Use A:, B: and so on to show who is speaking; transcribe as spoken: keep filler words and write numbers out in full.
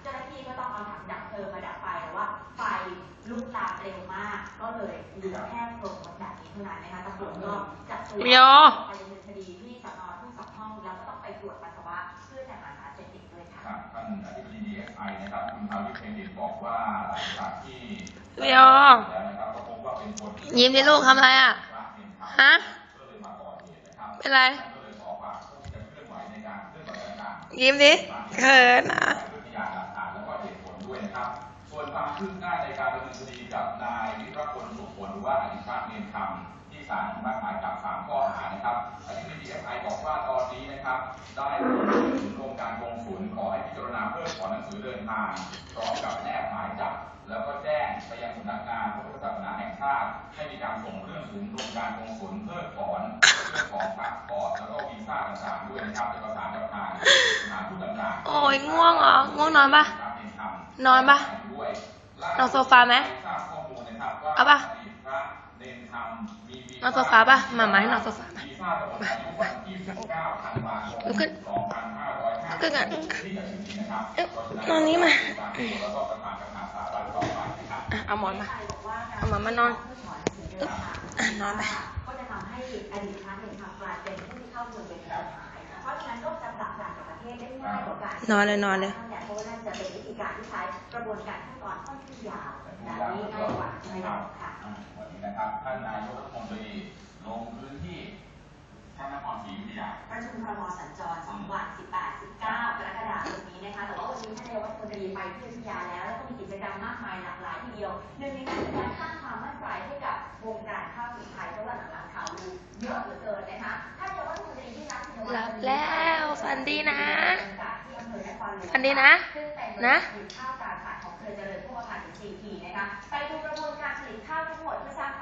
A: จ้าหน้าที่ก็ต้องเอาถังดับเพลิงมาดับไฟแต่ว่าไฟลุกลามเร็วมากก็เลยเหลือแค่โครงรถแบบนี้เท่านั้นนะคะตำรวจก็จับตัวไปดำเนินคดีที่สน.ทุ่งสองห้องแล้วก็ต้องไปตรวจปัสสาวะเพื่อจะหาสารเสพติดด้วยค่ะ
B: ท่านอธิบดี ดี เอส ไอ นะครับคุณภาวิทย์เพ็งดิตบอกว่าหลังจากที่
C: เดี๋ยวยิ้มดิลูกทำอะไรอ่ะฮะเป็นไรยิ้มดิเขินอ่ะ
B: ส่วนความคืบหน้าในการดำเนินคดีกับนายวิรพลสุขผลหรือว่าอดิชาติเนียนคำที่ศาลอนุมัติหมายจับสามข้อหานะครับอธิบดี ดี เอส ไอ บอกว่าตอนนี้นะครับได้ถึงโครงการกงสุลขอให้พิจารณาเพิกถอนหนังสือเดินทางพร้อมกับแนบหมายจับแล้วก็แจ้งไปยังสำนักงานพระพุทธศาสนาแห่งชาติให้มีการส่งเรื่องถึงโครงการกงสุลเพิกถอนเรื่องของพาสปอร์ตแล้วก็วีซ่าต่างๆด้วยนะครับจะประสานกับทางสถานทูตต่างๆ
C: โอ้ยง่วงเหรอง่วงนอนปะนอนปะนอนโซฟาไหมเอาปะนอนโซฟาปะมาไหมนอนโซฟาไหมลุกขึ้นลุกขึ้นกันนอนนี้มาเอาหมอนมาเอาหมอนมานอนนอนไป
A: ก็จะทำให้อดีตพระเนรคำกลายเป็นผู้ที่เข้าเมืองเป็นกฎหมายเพราะฉะนั้นก็จะปรับปรามกับประเทศได้ง่ายกว่าการ
C: นอนเลยนอนเลย
A: เพราะว่านั่นจะเป็นวิธีการที่ใช้กระบวนการขั้นตอนค่อนข้างยาวแบบนี้ง่ายกว่าใช่ไหมคะ
B: วันนี้นะครับท่านนายกรัฐมนตรีลงพื้นที่พระนครศรีอยุธยา
A: ประชุมครม.สัญจรสองวันสิบแปด สิบเก้ากรกฎาคมนี้นะคะแต่ว่าวันนี้ท่านนายกรัฐมนตรีไปที่อยุธยาแล้วแล้วก็มีกิจกรรมมากมายหลากหลายทีเดียวหนึ่งในนั้นคือการสร้างความมั่นใจให้กับวงการข้าวสีไทยเพราะว่าหลังๆข่าวลือเยอะเหลือเกินนะคะท่านนายกรัฐมนตรีที่รักที่
C: หลับแล้วฝันดีนะฝันดีนะนะ
A: ข้าวตาขาดของเครือเจริญพวกอาหารถึงสี่ทีนะคะไปดูกระบวนการผลิตข้าวทั้งหมดเพื่อสร้าง